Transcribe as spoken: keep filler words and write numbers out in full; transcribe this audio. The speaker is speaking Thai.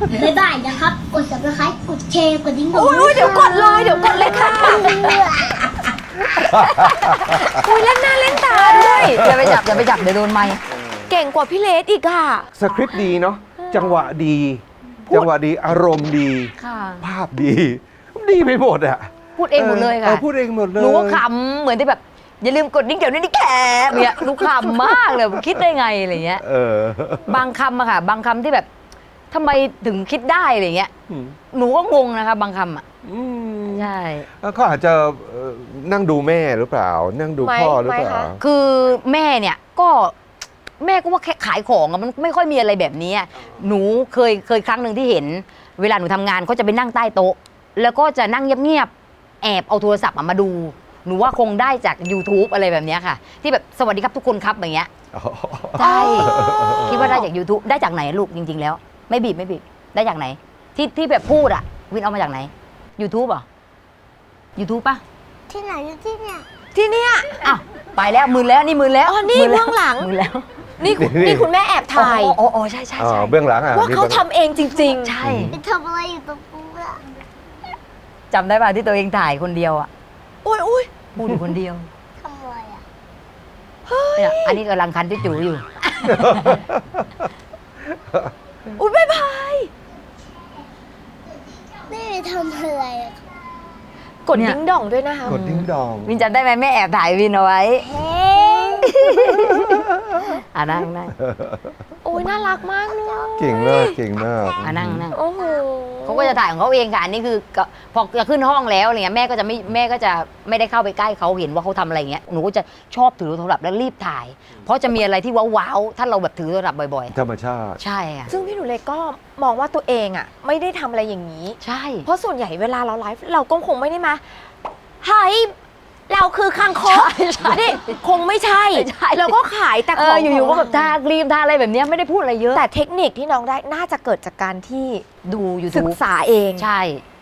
บ๊ายบายนะครับ กด ซับสไครบ์ กดแชร์ กดดิ้งดองอุ้ยเดี๋ยวกดเลยเดี๋ยวกดเลยค่ะอุ้ยเล่นหน้าเล่นตาด้วยอย่าไปจับอย่าไปจับเดี๋ยวโดนไมค์เก่งกว่าพี่เลสอีกอ่ะสคริปต์ดีเนาะจังหวะดี จังหวะดีอารมณ์ดีค่ะภาพดี ดีไปหมดอะพูดเองหมดเลยอค่ะอพูดเองหมดเลยหนูก็ขำเหมือนที่แบบ อย่าลืมกดดิ้งเดี๋ยวนี้นี่แคบเนี่ยหนูขำมากเลยคิดได้ไงอะไรเงี้ยเออบางคำอะค่ะ บางคำที่แบบทำไมถึงคิดได้อะไรเงี้ยอืมหนูก็งงนะคะ บางคำอะอืมใช่แล้วเขาอาจจะเอ่อนั่งดูแม่หรือเปล่า นั่งดูพ่อหรือเปล่าไม่คะคือแม่เนี่ยก็แม่ก็ว่าแค่ขายของอะมันไม่ค่อยมีอะไรแบบนี้อะหนูเคยเคยครั้งหนึ่งที่เห็น เวลาหนูทำงานก็จะไปนั่งใต้โต๊ะ แล้วก็จะนั่งเงียบๆแอบเอาโทรศัพท์อะมาดู หนูว่าคงได้จาก YouTube อะไรแบบเนี้ยค่ะ ที่แบบสวัสดีครับทุกคนครับอย่างเงี้ยอ๋อใช่คิดว่าได้จาก YouTube ได้จากไหนลูกจริง ๆ แล้ว ไม่บีบไม่บีบได้จากไหน ที่ที่แบบพูดอะวินเอามาจากไหน YouTube เหรอ YouTube ป่ะที่ไหนอยู่ที่เนี่ยที่เนี่ยอ้าวไปแล้วมือแล้วนี่มือแล้วอ๋อนี่มืแวเบื้องหลังมือแล้วนี่คุณนี่คุณแม่แอบถ่ายอ๋ออ๋ออ๋อใช่ใช่อ๋อใช่เบื้องหลังอ่ะว่านี่เขาบื้องทำเองจริงใช่ไปทำอะไรอยู่ตรงนู้นอะจำได้ป่ะที่ตัวเองถ่ายคนเดียวอ่ะๆ อุ้ยอุ้ยพูดอยู่คนเดียวทำอะไรอะเนี่ยอันนี้กำลังคันจุ๋ๆอยู่อุ้ยบ๊ายบายแม่ไปทำอะไรอะกดเนี่ยดิ้งด่องด้วยนะคะกดดิ้งดองวินจำได้ไหมแม่แอบถ่ายวินเอาไว้เฮ้ยอ่ะนั่งนั่งโอ้ยน่ารักมากเลยเก่งมากเก่งมากอ่ะนั่งนั่งโอ้โหเขาก็จะถ่ายของเขาเองค่ะอันนี้คือก็พอจะขึ้นห้องแล้วอะไรเงี้ยแม่ก็จะไม่แม่ก็จะไม่ได้เข้าไปใกล้เขาเห็นว่าเขาทำอะไรเงี้ยหนูก็จะชอบถือโทรศัพท์แล้วรีบถ่าย เพราะจะมีอะไรที่ว้าวๆถ้าเราแบบถือโทรศัพท์บ่อยธรรมชาติๆ ใช่ค่ะซึ่งพี่หนูเล็กก็มองว่าตัวเองอ่ะ ไม่ได้ทำอะไรอย่างนี้ใช่เพราะส่วนใหญ่เวลาเราไลฟ์เราก็คงไม่ได้มาเฮ้ยเราคือคางคกนี่คงไม่ใช่ใช่เราก็ขายแต่เอขออง อยู่ๆก็แบบทาครีมทาอะไรแบบเนี้ยไม่ได้พูดอะไรเยอะแต่เทคนิคที่น้องได้น่าจะเกิดจากการที่ดูอยู่ศึกษาเองใช่